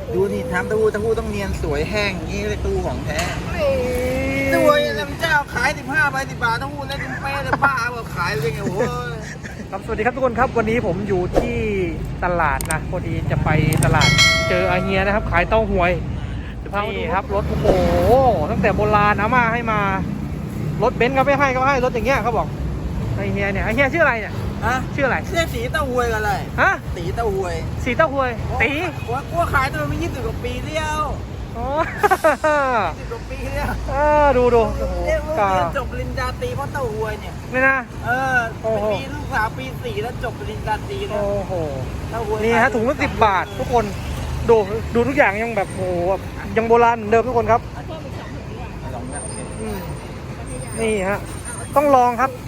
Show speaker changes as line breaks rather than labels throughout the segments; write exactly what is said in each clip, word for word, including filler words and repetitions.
ดูนี่ทำเต้าหู้เต้าหู้ต้องเนียนสวยแห้งอย่างนี้เลยตู้ของแท้สวยลำเจ้าขายสิบห้าใบสิบบาทเต้าหู้แล้วจิ้มเป้เลยบ้าแบบขายเลยไงโอ้ย
ครับสวัสดีครับทุกคนครับวันนี้ผมอยู่ที่ตลาดนะพอดีจะไปตลาดเจออาเฮียนะครับขายเต้าหวยนี่ครับรถโอ้โหตั้งแต่โบราณอาม่าให้มารถเบนซ์ก็ไม่ให้ก็ให้รถอย่างเงี้ยเขาบอกไอเฮียเนี่ยไอเฮียชื่ออะไรเนี่ย
ฮะ
ชื่ออะไร
เรียกสีเต้าหวยกันเลย
ฮะ
สีเต้าหวย
สีเต้าหวยตี
ว่าว่าขายตัวไม่ยี่สิบกว่าปีเดียว
อ๋อ
ยี่สิบกว่าปีเดียว
เออดูดูโอ้โห
เรียกว่าก
า
เรียนจบปริญญาตรีเพราะเต้าหวยเนี่ย
นี่นะ
เออ
โอ้โห
ปีลูกสาวปีสี่แล้วจบปริญญาตรีแล้
โอ้
ว
โห
เต้าหวย
นี่ฮะถุงละสิบบาททุกคนดูดูทุกอย่างยังแบบโอ้โหแบบยังโบราณเหมือนเดิมทุกคนครับ
ลองเนี่ยโอเค
อืมนี่ฮะต้องลองครับ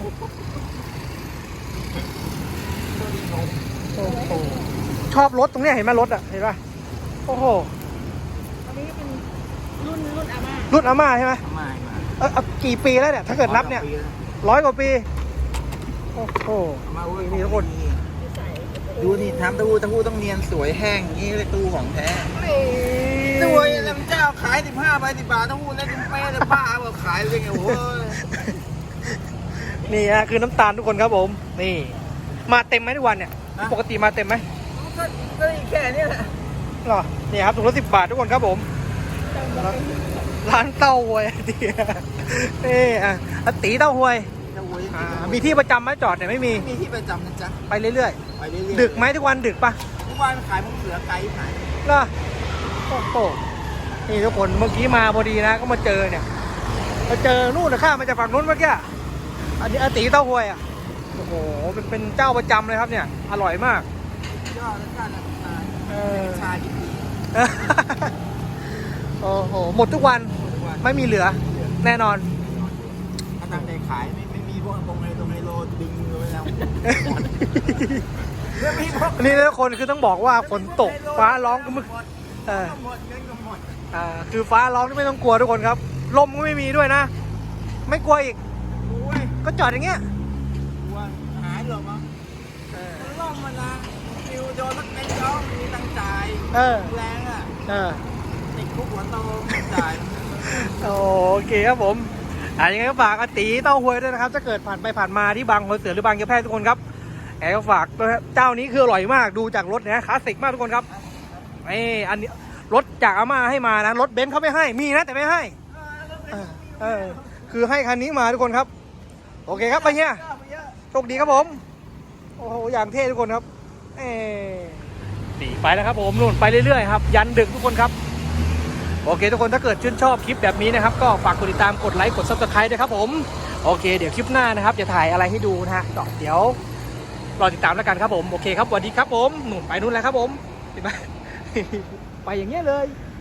โอ้โหชอบรถตรงเนี้ยเห็นไหมรถอ่ะเห็นป่ะโอ้โห
อันนี้เป็นรุ่นรุ่นอาม่า
รุ่นอาม่าใช่ไหม
มามา
เออเอากี่ปีแล้วเนี่ยถ้าเกิดนับเนี่ยร้อยกว่าปีโอ้โห
มาเว้ย
นี่ทุกคน
ที่ใส่
ดูนี่ทำเต้าหู้เต้าหู้ต้องเนียนสวยแห้งอย่างนี้เลยตู้ของแท้ส
นี่
วยลำเจ้าขายสิบห้าใบสิบบาทเต้าหู้แล้วจิ้มเป้เลยบ้าแบบขายเลยไงโอ้ย
นี่ฮะคือน้ำตาลทุกคนครับผมนี่มาเต็มไหมทุกวันเนี่ยปกติมาเต็มไหม
ก็ก็แค่นี้แหละ
หรอนี่ครับถุงละสิบบาททุกคนครับผมร้านเต้าหวยดีนี่อ่ะอ่ะตีเต้าหวย
เต้าหวย
อ่ามีที่ประจำไหมจอดเนี่ยไม่มี
มีที่ประจำนะจ๊ะ
ไปเรื่อย
ไปเรื่อย
ๆ
ๆ
ดึกไหมทุกวันดึกปะ
ทุกวันขายมุ้งเหลือไก่ขาย
เหรอโอ้โหนี่ทุกคนเมื่อกี้มาพอดีนะก็มาเจอเนี่ยมาเจอนู่นนะข้ามมาจากฝั่งนู้นเมื่อกี้อันนี้อาตีเต้าหวยอ่ะโอ้โหเป็นเป็นเจ้าประจำเลยครับเนี่ยอร่อยมาก
ยอดแล้วกันนะ
เออ
ชาดิบดี
โอ้โหหมดทุกวัน
ทุกวัน
ไม่มีเหลือแน่นอน
ถ้าตั้งใจขายไม่ไม่มีพวกตรงไฮตรงไฮโลดึงมือไปแล้วไม่มีพวก
นี่ทุกคนคือต้องบอกว่าฝนตกฟ้าร้องก็มึกเออ
หมดเงินก็หมด
อ่าคือฟ้าร้องที่ไม่ต้องกลัวทุกคนครับลมก็ไม่มีด้วยนะ ไม่กลัวอีก
โอ้ย
ก็จอดอย่างเงี้ย
กลัวหายเหรอมั้งล่มมันนะฟิวโดนสักเม็ดย้อมมีตังจ่าย
เออ
แรงอ่ะ
เออ
ติดคุกหัวโตจ่าย
โอเคครับผมอ่ายังไงก็ฝากอาตีเต้าหวยด้วยนะครับถ้าเกิดผ่านไปผ่านมาที่บางหัวเสือหรือบางยะแพรกทุกคนครับแอบก็ฝากด้วยครับเจ้านี้คืออร่อยมากดูจากรถนะคลาสสิกมากทุกคนครับไอ้อันนี้รถจากอาม่าให้มานะรถเบนซ์เขาไม่ให้มีนะแต่ไม่ให้เออเออคือให้คันนี้มาทุกคนครับโอเคครับไปเฮียโชคดีครับผมโอ้โหอย่างเท่ทุกคนครับเออตีไปแล้วครับผมนู่นไปเรื่อยๆครับยันดึกทุกคนครับโอเคทุกคนถ้าเกิดชื่นชอบคลิปแบบนี้นะครับก็ฝากกดติดตามกดไลค์กดซับสไครต์ด้วยครับผมโอเคเดี๋ยวคลิปหน้านะครับจะถ่ายอะไรให้ดูนะฮะเดี๋ยวรอติดตามแล้วกันครับผมโอเคครับสวัสดีครับผมหนุ่มไปนู่นแล้วครับผมเห็นไหม ไปอย่างเงี้ยเลย